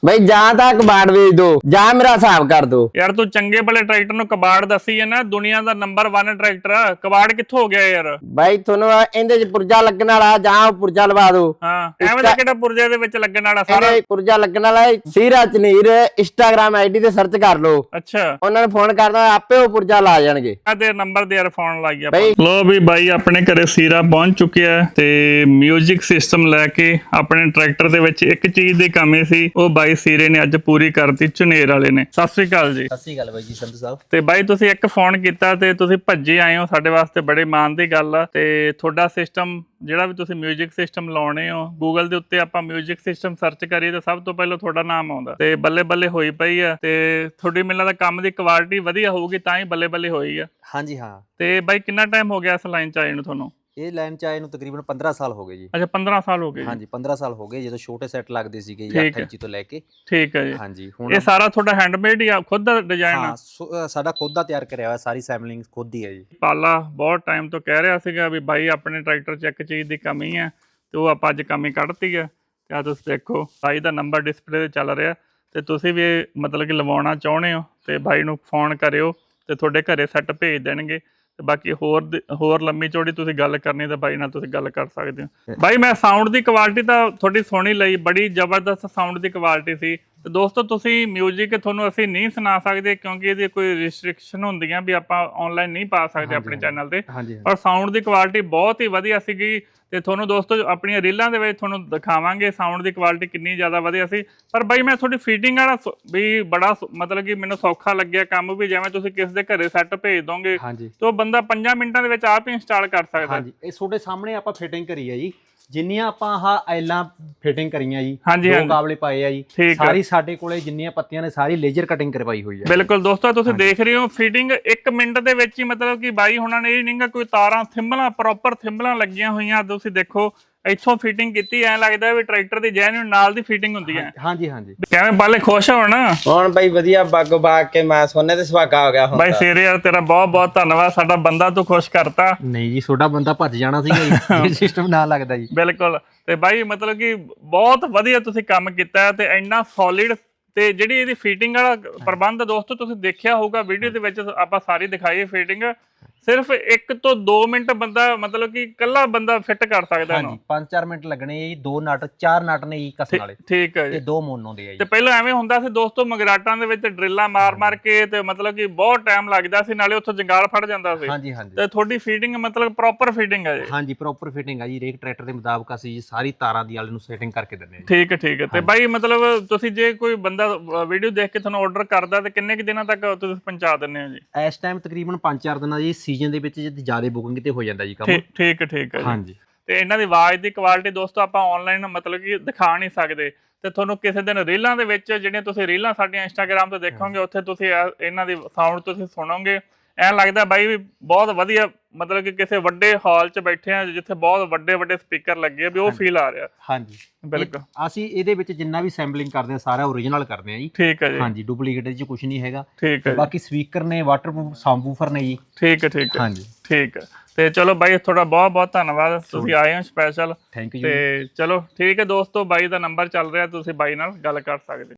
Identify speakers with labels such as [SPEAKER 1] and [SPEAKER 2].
[SPEAKER 1] ਬਈ ਜਾਂ ਤਾਂ ਕਬਾੜ ਵੇਚ ਦੋ ਜਾਂ ਮੇਰਾ ਹਿਸਾਬ ਕਰ ਦੋ।
[SPEAKER 2] ਯਾਰ ਤੂੰ ਚੰਗੇ ਭਲੇ ਟਰੈਕਟਰ ਨੂੰ ਕਬਾੜ ਦੱਸੀ ਹੈ ਨਾ, ਦੁਨੀਆ ਦਾ ਨੰਬਰ 1 ਟਰੈਕਟਰ, ਕਬਾੜ ਕਿੱਥੋਂ ਹੋ ਗਿਆ ਯਾਰ?
[SPEAKER 1] ਬਾਈ ਤੁਹਾਨੂੰ ਇਹਦੇ ਚ ਪੁਰਜਾ ਲੱਗਣ ਵਾਲਾ, ਜਾਂ ਉਹ ਪੁਰਜਾ ਲਵਾ ਦੋ।
[SPEAKER 2] ਹਾਂ ਐਵੇਂ ਦਾ ਕਿਹੜਾ ਪੁਰਜੇ ਦੇ ਵਿੱਚ ਲੱਗਣ ਵਾਲਾ? ਸਾਰਾ
[SPEAKER 1] ਇਹਦੇ ਪੁਰਜਾ ਲੱਗਣ ਵਾਲਾ ਸੀਰਾ ਚਨੀਰ ਇੰਸਟਾਗ੍ਰਾਮ ਆਈਡੀ ਤੇ ਸਰਚ ਕਰ ਲਓ।
[SPEAKER 2] ਅੱਛਾ,
[SPEAKER 1] ਉਹਨਾਂ ਨੂੰ ਫੋਨ ਕਰਦਾ ਆਪੇ ਉਹ ਪੁਰਜਾ ਲਾ ਜਾਣਗੇ।
[SPEAKER 2] ਤੇ ਨੰਬਰ ਦੇ ਯਾਰ ਫੋਨ ਲਾਈ ਆਪਾਂ। ਲੋ ਵੀ ਬਾਈ ਆਪਣੇ ਘਰੇ ਸੀਰਾ ਪਹੁੰਚ ਚੁੱਕਿਆ ਹੈ ਤੇ ਮਿਊਜ਼ਿਕ ਸਿਸਟਮ ਲੈ ਕੇ ਆਪਣੇ ਟਰੈਕਟਰ ਦੇ ਵਿੱਚ ਇੱਕ ਚੀਜ਼ ਦੀ ਕਮੀ ਸੀ, ਉਹ ਬਾਈ ਸੀਰੇ ਨੇ ਅੱਜ ਪੂਰੀ ਕਰਤੀ ਝੁਨੇਰ ਵਾਲੇ ਨੇ। ਸਤਿ ਸ੍ਰੀ ਅਕਾਲ ਜੀ।
[SPEAKER 3] ਸਤਿ ਸ੍ਰੀ ਅਕਾਲ ਬਾਈ ਜੀ ਸੰਧੂ ਸਾਹਿਬ।
[SPEAKER 2] ਤੇ ਬਾਈ ਤੁਸੀਂ ਇੱਕ ਫੋਨ ਕੀਤਾ ਤੇ ਤੁਸੀਂ ਭੱਜੇ ਆਏ ਹੋ, ਸਾਡੇ ਵਾਸਤੇ ਬੜੇ ਮਾਣ ਦੀ ਗੱਲ ਆ। ਤੇ ਤੁਹਾਡਾ ਸਿਸਟਮ ਜਿਹੜਾ ਵੀ ਤੁਸੀਂ ਮਿਊਜ਼ਿਕ ਸਿਸਟਮ ਲਾਉਣੇ ਹੋ, ਗੂਗਲ ਦੇ ਉੱਤੇ ਆਪਾਂ ਮਿਊਜ਼ਿਕ ਸਿਸਟਮ ਸਰਚ ਕਰੀਏ ਤਾਂ ਸਭ ਤੋਂ ਪਹਿਲਾਂ ਤੁਹਾਡਾ ਨਾਮ ਆਉਂਦਾ ਤੇ ਬੱਲੇ ਬੱਲੇ ਹੋਈ ਪਈ ਆ। ਤੇ ਤੁਹਾਡੀ ਮੈਨੂੰ ਲੱਗਦਾ ਕੰਮ ਦੀ ਕੁਆਲਿਟੀ ਵਧੀਆ ਹੋਊਗੀ ਤਾਂ ਹੀ ਬੱਲੇ ਬੱਲੇ ਹੋਈ ਆ।
[SPEAKER 3] ਹਾਂਜੀ ਹਾਂ।
[SPEAKER 2] ਤੇ ਬਾਈ ਕਿੰਨਾ ਟਾਈਮ ਹੋ ਗਿਆ ਇਸ ਲਾਈਨ 'ਚ ਆਏ ਨੂੰ ਤੁਹਾਨੂੰ?
[SPEAKER 3] ਇਹ ਲਾਈਨ ਚ ਆਏ ਨੂੰ ਤਕਰੀਬਨ 15 ਸਾਲ ਹੋ ਗਏ ਜੀ।
[SPEAKER 2] ਅੱਛਾ 15 ਸਾਲ ਹੋ ਗਏ।
[SPEAKER 3] ਹਾਂਜੀ 15 ਸਾਲ ਹੋ ਗਏ, ਜਦੋਂ ਛੋਟੇ ਸੈੱਟ ਲੱਗਦੇ ਸੀਗੇ 8 ਇੰਚੀ ਤੋਂ ਲੈ ਕੇ।
[SPEAKER 2] ਠੀਕ ਹੈ ਜੀ।
[SPEAKER 3] ਹਾਂਜੀ ਹੁਣ
[SPEAKER 2] ਇਹ ਸਾਰਾ ਤੁਹਾਡਾ ਹੈਂਡਮੇਡ ਹੀ ਆ, ਖੁਦ ਦਾ ਡਿਜ਼ਾਈਨ ਆ?
[SPEAKER 3] ਸਾਡਾ ਖੁਦ ਦਾ ਤਿਆਰ ਕਰਿਆ ਹੋਇਆ, ਸਾਰੀ ਸੈਂਪਲਿੰਗ ਖੁਦ ਹੀ ਹੈ ਜੀ।
[SPEAKER 2] ਪਾਲਾ ਬਹੁਤ ਟਾਈਮ ਤੋਂ ਕਹਿ ਰਿਹਾ ਸੀਗਾ ਵੀ ਬਾਈ ਆਪਣੇ ਟਰੈਕਟਰ 'ਚ ਇੱਕ ਚੀਜ਼ ਦੀ ਕਮੀ ਹੈ ਤੇ ਉਹ ਆਪਾਂ ਅੱਜ ਕਮੀ ਕੱਢਤੀ ਹੈ। ਤੇ ਆ ਤੁਸੀਂ ਦੇਖੋ ਬਾਈ ਦਾ ਨੰਬਰ ਡਿਸਪਲੇ ਤੇ ਚੱਲ ਰਿਹਾ, ਤੇ ਤੁਸੀਂ ਵੀ ਮਤਲਬ ਕਿ ਲਵਾਉਣਾ ਚਾਹੁੰਦੇ ਹੋ ਤੇ ਬਾਈ ਨੂੰ ਫੋਨ ਕਰਿਓ ਤੇ ਤੁਹਾਡੇ ਘਰੇ ਸੈੱਟ ਭੇਜ ਦੇਣਗੇ। ਤੇ ਬਾਕੀ ਹੋਰ ਲੰਮੀ ਚੌੜੀ ਤੁਸੀਂ ਗੱਲ ਕਰਨੀ ਤਾਂ ਬਾਈ ਨਾਲ ਤੁਸੀਂ ਗੱਲ ਕਰ ਸਕਦੇ ਹੋ। ਬਾਈ ਮੈਂ ਸਾਊਂਡ ਦੀ ਕੁਆਲਿਟੀ ਤਾਂ ਤੁਹਾਡੀ ਸੋਹਣੀ ਲਈ, ਬੜੀ ਜ਼ਬਰਦਸਤ ਸਾਊਂਡ ਦੀ ਕੁਆਲਿਟੀ ਸੀ। ਤੇ ਦੋਸਤੋ ਤੁਸੀਂ ਮਿਊਜ਼ਿਕ ਤੁਹਾਨੂੰ ਅਸੀਂ ਨਹੀਂ ਸੁਣਾ ਸਕਦੇ ਕਿਉਂਕਿ ਇਹਦੀ ਕੋਈ ਰਿਸਟ੍ਰਿਕਸ਼ਨ ਹੁੰਦੀਆਂ ਵੀ ਆਪਾਂ ਆਨਲਾਈਨ ਨਹੀਂ ਪਾ ਸਕਦੇ ਆਪਣੇ ਚੈਨਲ ਤੇ। ਪਰ ਸਾਊਂਡ ਦੀ ਕੁਆਲਿਟੀ ਬਹੁਤ ਹੀ ਵਧੀਆ ਸੀਗੀ ਤੇ ਤੁਹਾਨੂੰ ਦੋਸਤੋ ਆਪਣੀਆਂ ਰੀਲਾਂ ਦੇ ਵਿੱਚ ਤੁਹਾਨੂੰ ਦਿਖਾਵਾਂਗੇ ਸਾਊਂਡ ਦੀ ਕੁਆਲਿਟੀ ਕਿੰਨੀ ਜ਼ਿਆਦਾ ਵਧੀਆ ਸੀ। ਪਰ ਬਾਈ ਮੈਂ ਤੁਹਾਡੀ ਫੀਟਿੰਗ ਵਾਲਾ ਵੀ ਬੜਾ ਮਤਲਬ ਕਿ ਮੈਨੂੰ ਸੌਖਾ ਲੱਗਿਆ ਕੰਮ, ਵੀ ਜਿਵੇਂ ਤੁਸੀਂ ਕਿਸੇ ਦੇ ਘਰੇ ਸੈੱਟ ਭੇਜ ਦੋਗੇ ਤੇ ਉਹ ਬੰਦਾ 5 ਮਿੰਟਾਂ ਦੇ ਵਿੱਚ ਆਪ ਹੀ ਇੰਸਟਾਲ ਕਰ ਸਕਦਾ।
[SPEAKER 3] ਹਾਂਜੀ ਇਹ ਤੁਹਾਡੇ ਸਾਹਮਣੇ ਆਪਾਂ ਫਿਟਿੰਗ ਕਰੀ ਹੈ ਜੀ, ਜਿੰਨੀਆਂ ਆਪਾਂ ਆਹ ਐਲਾਂ ਫਿਟਿੰਗ ਕਰੀਆਂ ਜੀ, ਦੋ ਕਾਬਲੇ ਪਾਏ ਆ ਜੀ, ਸਾਰੀ ਸਾਡੇ ਕੋਲੇ ਜਿੰਨੀਆਂ ਪੱਤੀਆਂ ਨੇ ਸਾਰੀ ਲੇਜ਼ਰ ਕਟਿੰਗ ਕਰਵਾਈ ਹੋਈ ਹੈ।
[SPEAKER 2] ਬਿਲਕੁਲ ਦੋਸਤੋ ਤੁਸੀਂ ਦੇਖ ਰਹੇ ਹੋ ਫਿਟਿੰਗ 1 ਮਿੰਟ ਦੇ ਵਿੱਚ ਹੀ, ਮਤਲਬ ਕਿ ਬਾਈ ਹੁਣਾਂ ਨੇ ਇਹ ਨਹੀਂਗਾ ਕੋਈ ਤਾਰਾਂ ਥਿੰਬਲਾਂ ਪ੍ਰੋਪਰ ਥਿੰਬਲਾਂ ਲੱਗੀਆਂ ਹੋਈਆਂ। ਤੁਸੀਂ ਦੇਖੋ ਇੱਥੋਂ ਫਿਟਿੰਗ ਕੀਤੀ, ਐ ਲੱਗਦਾ ਵੀ ਟਰੈਕਟਰ ਦੀ ਜੈਨੂਇਨ ਨਾਲ ਦੀ ਫਿਟਿੰਗ ਹੁੰਦੀ ਹੈ।
[SPEAKER 3] ਹਾਂਜੀ ਹਾਂਜੀ।
[SPEAKER 2] ਕਿਵੇਂ ਬਾਲੇ ਖੁਸ਼ ਹੋਣ?
[SPEAKER 1] ਹੁਣ ਬਾਈ ਵਧੀਆ ਬਾਗੋ ਬਾਗ ਕੇ ਮੈਂ ਸੋਨੇ ਤੇ ਸੁਹਾਗਾ ਹੋ ਗਿਆ ਹੁਣ।
[SPEAKER 2] ਬਾਈ ਸੀਰੇ ਯਾਰ ਤੇਰਾ ਬਹੁਤ ਬਹੁਤ ਧੰਨਵਾਦ, ਸਾਡਾ ਬੰਦਾ ਤੂੰ ਖੁਸ਼ ਕਰਤਾ।
[SPEAKER 3] ਨਹੀਂ ਜੀ ਛੋਟਾ ਬੰਦਾ ਭੱਜ ਜਾਣਾ ਸੀਗਾ ਜੀ ਸਿਸਟਮ ਨਾ ਲੱਗਦਾ ਜੀ।
[SPEAKER 2] ਬਿਲਕੁਲ। ਤੇ ਬਾਈ ਮਤਲਬ ਕਿ ਬਹੁਤ ਵਧੀਆ ਤੁਸੀਂ ਕੰਮ ਕੀਤਾ ਤੇ ਇੰਨਾ ਸੋਲਿਡ, ਤੇ ਜਿਹੜੀ ਇਹਦੀ ਫਿਟਿੰਗ ਵਾਲਾ ਪ੍ਰਬੰਧ ਦੋਸਤੋ ਤੁਸੀਂ ਦੇਖਿਆ ਹੋਊਗਾ ਵੀਡੀਓ ਦੇ ਵਿੱਚ ਆਪਾਂ ਸਾਰੀ ਦਿਖਾਈ ਫਿਟਿੰਗ। ਸਿਰਫ 1 ਤੋਂ 2 ਮਿੰਟ ਬੰਦਾ ਮਤਲਬ ਕਿ ਇਕੱਲਾ ਬੰਦਾ ਫਿੱਟ ਕਰ ਸਕਦਾ ਇਹਨੂੰ।
[SPEAKER 3] 5-4 ਮਿੰਟ ਲੱਗਣੇ ਜੀ। 2 ਨਟ 4 ਨਟ ਨੇ ਜੀ ਕੱਸਣ ਵਾਲੇ।
[SPEAKER 2] ਠੀਕ ਹੈ ਜੀ।
[SPEAKER 3] ਤੇ 2 ਮੋਨੋ ਦੇ ਆ ਜੀ।
[SPEAKER 2] ਤੇ ਪਹਿਲਾਂ ਐਵੇਂ ਹੁੰਦਾ ਸੀ ਦੋਸਤੋ ਮਗਰਾਟਾਂ ਦੇ ਵਿੱਚ ਡਰਿੱਲਾਂ ਮਾਰ ਕੇ ਤੇ ਮਤਲਬ ਕਿ ਬਹੁਤ ਟਾਈਮ ਲੱਗਦਾ ਸੀ, ਨਾਲੇ ਉੱਥੋਂ ਜੰਗਾਲ ਫੜ ਜਾਂਦਾ ਸੀ।
[SPEAKER 3] ਹਾਂਜੀ ਹਾਂਜੀ।
[SPEAKER 2] ਤੇ ਤੁਹਾਡੀ ਫਿਟਿੰਗ ਮਤਲਬ ਪ੍ਰੋਪਰ ਫਿਟਿੰਗ ਹੈ ਜੀ?
[SPEAKER 3] ਹਾਂਜੀ ਪ੍ਰੋਪਰ ਫਿਟਿੰਗ ਆ ਜੀ, ਰੇਕ ਟਰੈਕਟਰ ਦੇ ਮੁਤਾਬਕ ਅਸੀਂ ਸਾਰੀ ਤਾਰਾਂ ਦੀ ਵਾਲੇ ਨੂੰ ਸੈਟਿੰਗ ਕਰਕੇ ਦਿੰਦੇ ਹਾਂ।
[SPEAKER 2] ਠੀਕ ਹੈ ਠੀਕ ਹੈ। ਤੇ ਬਾਈ ਮਤਲਬ ਤੁਸੀਂ ਜੇ ਕੋਈ ਬੰਦਾ ਵੀਡੀਓ ਦੇਖ ਕੇ ਤੁਹਾਨੂੰ ਆਰਡਰ ਕਰਦਾ ਤੇ ਕਿੰਨੇ ਕੁ ਦਿਨਾਂ ਤੱਕ ਤੁਸੀਂ ਪਹੁੰਚਾ ਦਿੰਦੇ ਹੋ ਜੀ?
[SPEAKER 3] ਇਸ ਟਾਈਮ ਤਕਰੀਬਨ 5-4 ਦਿਨਾਂ ਜੀ, ਸੀਜ਼ਨ ਦੇ ਵਿੱਚ ਜਿਆਦਾ ਬੁਕਿੰਗ ਤੇ ਹੋ ਜਾਂਦਾ ਜੀ ਕੰਮ।
[SPEAKER 2] ਠੀਕ ਹੈ
[SPEAKER 3] ਹਾਂਜੀ।
[SPEAKER 2] ਤੇ ਇਹਨਾਂ ਦੀ ਆਵਾਜ਼ ਦੀ ਕੁਆਲਿਟੀ ਦੋਸਤੋ ਆਪਾਂ ਆਨਲਾਈਨ ਮਤਲਬ ਕਿ ਦਿਖਾ ਨਹੀਂ ਸਕਦੇ, ਤੇ ਤੁਹਾਨੂੰ ਕਿਸੇ ਦਿਨ ਰੀਲਾਂ ਦੇ ਵਿੱਚ ਜਿਹੜੀਆਂ ਤੁਸੀਂ ਰੀਲਾਂ ਸਾਡੀਆਂ ਇੰਸਟਾਗ੍ਰਾਮ ਤੇ ਦੇਖੋਗੇ ਉੱਥੇ ਤੁਸੀਂ ਇਹਨਾਂ ਦੀ ਸਾਊਂਡ ਤੁਸੀਂ ਸੁਣੋਗੇ, ਐਂ ਲੱਗਦਾ ਬਾਈ ਵੀ ਬਹੁਤ ਵਧੀਆ, ਮਤਲਬ ਕਿ ਕਿਸੇ ਵੱਡੇ ਹਾਲ 'ਚ ਬੈਠੇ ਆ ਜਿੱਥੇ ਬਹੁਤ ਵੱਡੇ ਸਪੀਕਰ ਲੱਗੇ ਆ, ਵੀ ਉਹ ਫੀਲ ਆ ਰਿਹਾ। ਹਾਂਜੀ ਬਿਲਕੁਲ।
[SPEAKER 3] ਅਸੀਂ ਇਹਦੇ ਵਿੱਚ ਜਿੰਨਾ ਵੀ ਸੈਂਪਲਿੰਗ ਕਰਦੇ ਆ ਸਾਰਾ ਓਰੀਜਨਲ ਕਰਦੇ ਆ ਜੀ। ਠੀਕ ਹੈ ਜੀ। ਹਾਂਜੀ ਡੁਪਲੀਕੇਟ ਇਹਦੇ 'ਚ ਕੁਝ ਨਹੀਂ ਹੈਗਾ। ਠੀਕ ਹੈ। ਬਾਕੀ ਸਪੀਕਰ ਨੇ, ਵਾਟਰਪ੍ਰੂਫ ਸਾਊਂਡਪ੍ਰੂਫਰ ਨੇ ਜੀ। ਠੀਕ ਹੈ ਹਾਂਜੀ
[SPEAKER 2] ਠੀਕ ਹੈ। ਤੇ ਚਲੋ ਬਾਈ ਤੁਹਾਡਾ ਬਹੁਤ ਬਹੁਤ ਧੰਨਵਾਦ, ਤੁਸੀਂ ਆਏ ਹੋ ਸਪੈਸ਼ਲ।
[SPEAKER 3] Thank you.
[SPEAKER 2] ਤੇ ਚਲੋ ਠੀਕ ਹੈ ਦੋਸਤੋ, ਬਾਈ ਦਾ ਨੰਬਰ ਚੱਲ ਰਿਹਾ, ਤੁਸੀਂ ਬਾਈ ਨਾਲ ਗੱਲ ਕਰ ਸਕਦੇ।